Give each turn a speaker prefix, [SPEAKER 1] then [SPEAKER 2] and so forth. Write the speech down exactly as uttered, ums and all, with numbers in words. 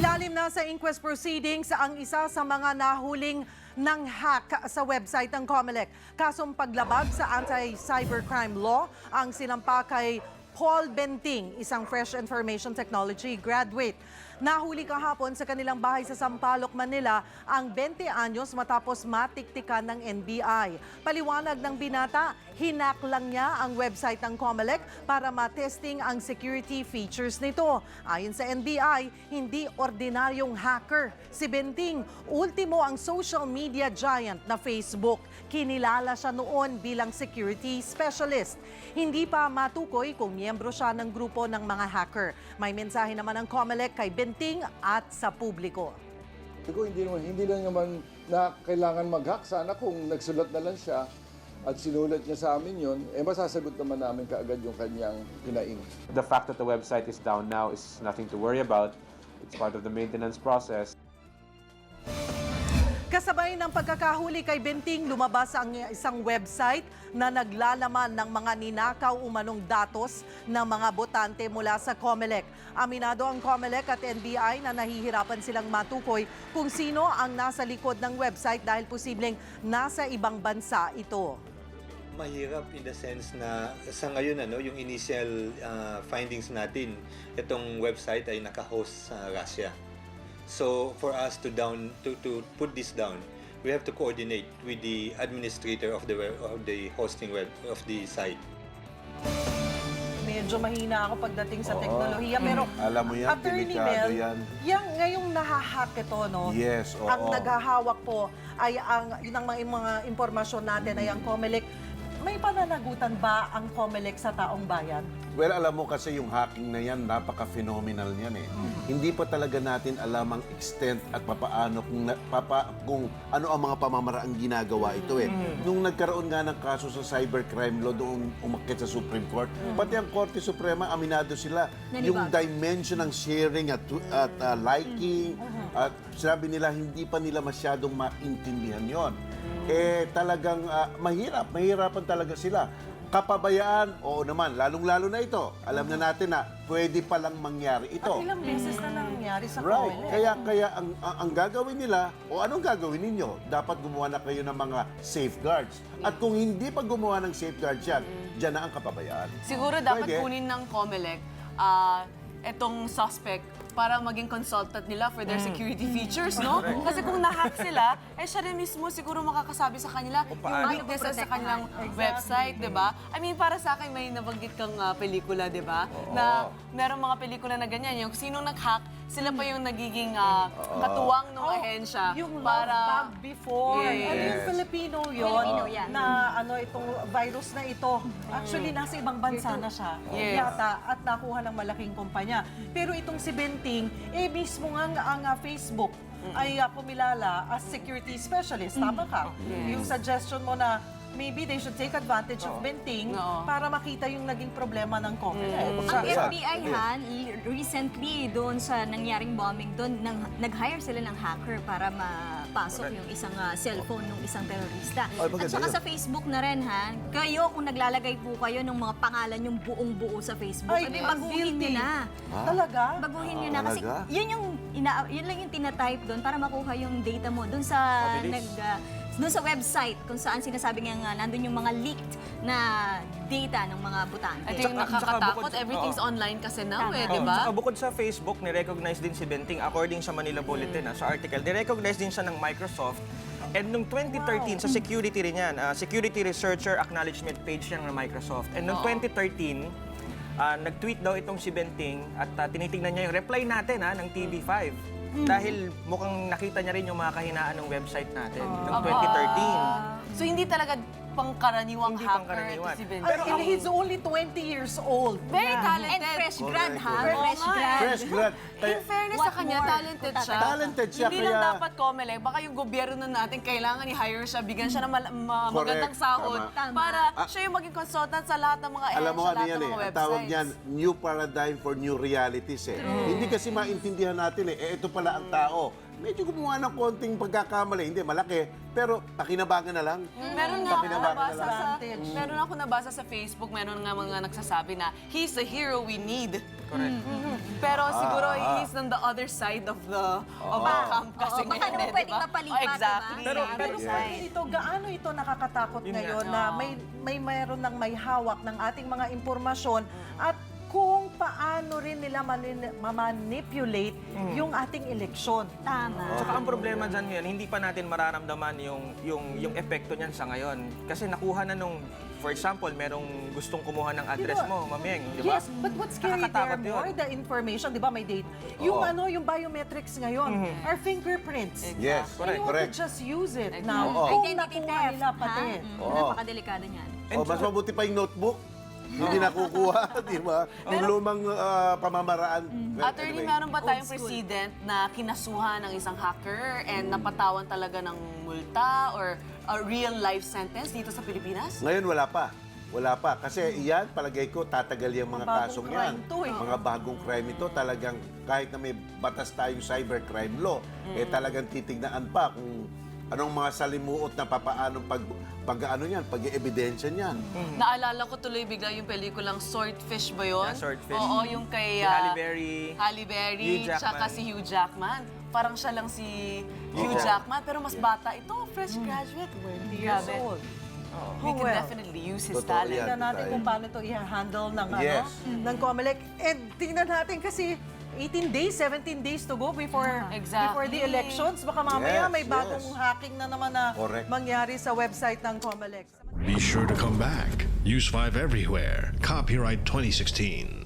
[SPEAKER 1] Ilalim na sa inquest proceedings ang isa sa mga nahuling ng hack sa website ng COMELEC. Kasong paglabag sa anti-cybercrime law ang sinampa kay Paul Benting, isang Fresh Information Technology graduate. Nahuli kahapon sa kanilang bahay sa Sampaloc, Manila ang twenty anyos matapos matiktikan ng N B I. Paliwanag ng binata, hinak lang niya ang website ng COMELEC para matesting ang security features nito. Ayon sa N B I, hindi ordinaryong hacker. Si Benting, ultimo ang social media giant na Facebook. Kinilala siya noon bilang security specialist. Hindi pa matukoy kung miyembro siya ng grupo ng mga hacker. May mensahe naman ang COMELEC kay Benting at sa publiko.
[SPEAKER 2] Hindi, naman, hindi lang naman na kailangan mag-hack. Sana kung nagsulat na lang siya at sinulat niya sa amin yun, eh masasagot naman namin kaagad yung kanyang hinaing.
[SPEAKER 3] The fact that the website is down now is nothing to worry about. It's part of the maintenance process.
[SPEAKER 1] Kasabay ng pagkakahuli kay Benting, lumabas ang isang website na naglalaman ng mga ninakaw umanong datos ng mga botante mula sa COMELEC. Aminado ang COMELEC at N B I na nahihirapan silang matukoy kung sino ang nasa likod ng website dahil posibleng nasa ibang bansa ito.
[SPEAKER 4] Mahirap in the sense na sa ngayon ano, yung initial uh, findings natin, itong website ay naka-host sa Russia. So for us to down to to put this down, we have to coordinate with the administrator of the web, of the hosting web of the site.
[SPEAKER 1] Medyo mahina ako pagdating sa
[SPEAKER 5] Oo.
[SPEAKER 1] teknolohiya, pero
[SPEAKER 5] Alam mo yan,
[SPEAKER 1] Attorney
[SPEAKER 5] delikado
[SPEAKER 1] Mel,
[SPEAKER 5] yan.
[SPEAKER 1] Yang ngayong nahahack ito, no?
[SPEAKER 5] Yes, oo.
[SPEAKER 1] Ang naghahawak po ay ang yun ang mga, mga impormasyon natin ay ang COMELEC. May pananagutan ba ang COMELEC sa taong bayan?
[SPEAKER 5] Well, alam mo kasi yung hacking na yan, napaka-phenomenal yan eh. Mm. Hindi pa talaga natin alam ang extent at papaano kung, na, papa, kung ano ang mga pamamaraang ginagawa ito eh. Mm. Nung nagkaroon nga ng kaso sa cybercrime law doon umakyat sa Supreme Court, mm. pati ang Korte Suprema, aminado sila. Nanibag. Yung dimension ng sharing at, at uh, liking, mm. at sabi nila hindi pa nila masyadong maintindihan yon. Mm. Eh talagang uh, mahirap, mahirapan talaga sila. Kapabayaan, oo naman, lalong-lalo na ito. Alam na natin na pwede palang mangyari ito.
[SPEAKER 1] At ilang beses na nangyari sa
[SPEAKER 5] Right.
[SPEAKER 1] COMELEC.
[SPEAKER 5] Kaya, kaya ang, ang, ang gagawin nila, o anong gagawin ninyo? Dapat gumawa na kayo ng mga safeguards. At kung hindi pa gumawa ng safeguards yan, dyan na ang kapabayaan.
[SPEAKER 6] Siguro dapat
[SPEAKER 5] Pwede.
[SPEAKER 6] kunin ng COMELEC uh, etong suspect para maging consultant nila for their security features, no? Kasi kung na-hack sila, eh siya rin mismo siguro makakasabi sa kanila yung weaknesses sa kanilang website, di ba? I mean, para sa akin, may nabanggit kang uh, pelikula, di ba? Na merong mga pelikula na ganyan, yung sinong nag-hack, sila pa yung nagiging uh, katuwang ng ahensya.
[SPEAKER 1] Yung
[SPEAKER 6] para...
[SPEAKER 1] love bug before.
[SPEAKER 6] Yes.
[SPEAKER 1] Ano yung Filipino yun?
[SPEAKER 7] Filipino yan.
[SPEAKER 1] Na ano itong virus na ito. Actually, nasa ibang bansa na siya.
[SPEAKER 6] Yes.
[SPEAKER 1] Yata. At nakuha ng malaking kumpanya. Pero itong si Benting, eh mismo nga ang uh, Facebook ay uh, pumilala as security specialist. Tama ka?
[SPEAKER 6] Yes.
[SPEAKER 1] Yung suggestion mo na maybe they should take advantage of Benting
[SPEAKER 6] Oo.
[SPEAKER 1] para makita yung naging problema ng COMELEC.
[SPEAKER 7] Ang
[SPEAKER 5] Yeah.
[SPEAKER 7] F B I, Han, recently doon sa nangyaring bombing doon, nang, nag-hire sila ng hacker para mapasok yung isang uh, cellphone ng isang terorista.
[SPEAKER 5] Ay, maganda
[SPEAKER 7] At saka
[SPEAKER 5] yun.
[SPEAKER 7] sa Facebook na rin, Han, kayo kung naglalagay po kayo ng mga pangalan yung buong buo sa Facebook,
[SPEAKER 1] Ay,
[SPEAKER 7] edi
[SPEAKER 1] ang
[SPEAKER 7] baguhin nyo
[SPEAKER 1] guilty.
[SPEAKER 7] na.
[SPEAKER 1] Talaga?
[SPEAKER 7] Baguhin nyo
[SPEAKER 5] Ah,
[SPEAKER 7] na. Kasi
[SPEAKER 5] talaga?
[SPEAKER 7] yun yung, ina, yun lang yung tinatype doon para makuha yung data mo doon sa nag... uh, doon sa website kung saan sinasabi nga nga nandun yung mga leaked na data ng mga botante.
[SPEAKER 6] Ito yung
[SPEAKER 8] Tsaka- tsaka
[SPEAKER 6] nakakatakot.
[SPEAKER 8] bukod-
[SPEAKER 6] Everything's
[SPEAKER 8] oo.
[SPEAKER 6] online kasi now, eh,
[SPEAKER 7] Tama.
[SPEAKER 6] di
[SPEAKER 8] Oh,
[SPEAKER 6] ba?
[SPEAKER 8] Saka bukod sa Facebook, ni-recognize din si Benting according sa Manila Bulletin, ah, sa article. Ni-recognize din siya ng Microsoft. And noong twenty thirteen, sa security rin yan, ah, Security Researcher Acknowledgement page yan ng Microsoft. And noong twenty thirteen, ah, nag-tweet daw itong si Benting at ah, tinitingnan niya yung reply natin ah, ng T V five. Dahil mukhang nakita niya rin yung mga kahinaan ng website natin noong twenty thirteen.
[SPEAKER 6] So hindi talaga pangkaraniwang
[SPEAKER 8] Hindi
[SPEAKER 6] hacker
[SPEAKER 8] pangkaraniwan.
[SPEAKER 6] to si Ben.
[SPEAKER 1] Pero and he's only twenty years old.
[SPEAKER 6] Very
[SPEAKER 7] And
[SPEAKER 6] talented.
[SPEAKER 7] fresh grad, ha?
[SPEAKER 5] Correct.
[SPEAKER 7] Fresh
[SPEAKER 6] Oo nga,
[SPEAKER 7] grad.
[SPEAKER 5] Fresh grad.
[SPEAKER 6] In fairness
[SPEAKER 7] What
[SPEAKER 6] sa kanya,
[SPEAKER 7] more?
[SPEAKER 6] talented siya.
[SPEAKER 5] Talented siya,
[SPEAKER 6] Hindi lang
[SPEAKER 5] kaya-
[SPEAKER 6] dapat COMELEC, baka yung gobyerno natin kailangan i-hire siya, bigyan siya ng mal- ma-
[SPEAKER 5] Correct.
[SPEAKER 6] magandang sahod
[SPEAKER 7] Tama.
[SPEAKER 6] para
[SPEAKER 5] Ah.
[SPEAKER 6] siya yung maging consultant sa lahat ng mga
[SPEAKER 5] Alam mo
[SPEAKER 6] sa
[SPEAKER 5] ano
[SPEAKER 6] lahat
[SPEAKER 5] yan
[SPEAKER 6] ng
[SPEAKER 5] eh,
[SPEAKER 6] mga
[SPEAKER 5] ang
[SPEAKER 6] websites.
[SPEAKER 5] tawag niyan, new paradigm for new realities eh. Hindi kasi maintindihan natin eh, eh ito pala ang tao. Medyo gumawa ng konting pagkakamali, hindi malaki, pero pakinabangan na lang.
[SPEAKER 6] Meron nga ako
[SPEAKER 5] Pakinabangan na
[SPEAKER 6] nabasa
[SPEAKER 5] lang.
[SPEAKER 6] sa,
[SPEAKER 1] Advantage.
[SPEAKER 6] meron ako nabasa sa Facebook, meron nga mga nagsasabi na he's the hero we need.
[SPEAKER 8] Correct.
[SPEAKER 6] Pero siguro
[SPEAKER 5] ah.
[SPEAKER 6] he's on the other side of the of the camp kasi
[SPEAKER 7] Oo, baka
[SPEAKER 6] ngayon,
[SPEAKER 7] naman
[SPEAKER 6] eh,
[SPEAKER 7] pwedeng
[SPEAKER 6] diba?
[SPEAKER 7] mapalipat,
[SPEAKER 6] Oh, exactly.
[SPEAKER 7] diba?
[SPEAKER 8] Pero-
[SPEAKER 7] Sa
[SPEAKER 1] Pero
[SPEAKER 7] website.
[SPEAKER 1] sabi nito, gaano ito nakakatakot
[SPEAKER 8] Yun nga.
[SPEAKER 1] ngayon na
[SPEAKER 6] Oo.
[SPEAKER 1] may may mayroon ng may hawak ng ating mga impormasyon at kung paano rin nila manin- ma-manipulate yung ating eleksyon.
[SPEAKER 7] Tama.
[SPEAKER 8] Tsaka ang problema dyan ngayon, hindi pa natin mararamdaman yung, yung, yung epekto niyan sa ngayon. Kasi nakuha na nung, for example, merong gustong kumuha ng address
[SPEAKER 1] Diba?
[SPEAKER 8] mo, Mameng, di ba?
[SPEAKER 1] Yes, but what's scary there
[SPEAKER 8] Nakakatakot yun.
[SPEAKER 1] more, the information, di ba may date? Yung ano, yung biometrics ngayon, our fingerprints.
[SPEAKER 5] Yes,
[SPEAKER 1] And
[SPEAKER 5] correct,
[SPEAKER 1] you want
[SPEAKER 5] correct.
[SPEAKER 1] to just use it
[SPEAKER 6] Exactly.
[SPEAKER 1] now.
[SPEAKER 5] Oo.
[SPEAKER 1] Kung
[SPEAKER 7] Identity
[SPEAKER 1] nakuha
[SPEAKER 7] theft,
[SPEAKER 1] nila pati.
[SPEAKER 7] ha? Mm,
[SPEAKER 5] Oo.
[SPEAKER 7] Napakadelikado niyan.
[SPEAKER 5] O, mas mabuti pa yung notebook. Hindi nakukuha, di ba? Yung lumang ah, pamamaraan. Well,
[SPEAKER 6] Attorney,
[SPEAKER 5] anyway.
[SPEAKER 6] meron ba tayong
[SPEAKER 7] Old school.
[SPEAKER 6] president na kinasuhan ng isang hacker and napatawan talaga ng multa or a real life sentence dito sa Pilipinas?
[SPEAKER 5] Ngayon wala pa. Wala pa. Kasi iyan, palagay ko, tatagal yung mga
[SPEAKER 1] Mga bagong
[SPEAKER 5] kasong yan.
[SPEAKER 1] crime to, eh.
[SPEAKER 5] Mga bagong crime ito, talagang kahit na may batas tayong cybercrime law, eh talagang titignan pa kung anong mga salimuot na papaanong pag, pag ano yan, pag-evidensya niyan.
[SPEAKER 6] Naalala ko tuloy bigla yung pelikulang Swordfish ba yun?
[SPEAKER 8] Yeah, Swordfish.
[SPEAKER 6] Oo, yung kay
[SPEAKER 8] Si
[SPEAKER 6] ah,
[SPEAKER 8] Halle Berry.
[SPEAKER 6] Halle Berry,
[SPEAKER 8] Hugh Jackman.
[SPEAKER 6] tsaka si Hugh Jackman. Parang siya lang si Hugh Jackman, pero mas bata. Ito, fresh graduate.
[SPEAKER 1] twenty years
[SPEAKER 6] Grabe.
[SPEAKER 1] old.
[SPEAKER 6] We
[SPEAKER 1] Oh,
[SPEAKER 6] can
[SPEAKER 1] well.
[SPEAKER 6] definitely use his
[SPEAKER 5] Totoo
[SPEAKER 6] talent.
[SPEAKER 5] yan.
[SPEAKER 1] Tingnan natin
[SPEAKER 5] tayo.
[SPEAKER 1] kung paano ito i-handle ng,
[SPEAKER 5] Yes.
[SPEAKER 1] ano, ng COMELEC. And tingnan natin kasi eighteen days, seventeen days to go before
[SPEAKER 6] Exactly.
[SPEAKER 1] before the elections. Baka mamaya
[SPEAKER 5] Yes,
[SPEAKER 1] may bagong
[SPEAKER 5] yes.
[SPEAKER 1] hacking na naman na
[SPEAKER 5] Correct.
[SPEAKER 1] mangyari sa website ng COMELEC.
[SPEAKER 9] Be sure to come back. Use five everywhere. Copyright twenty sixteen.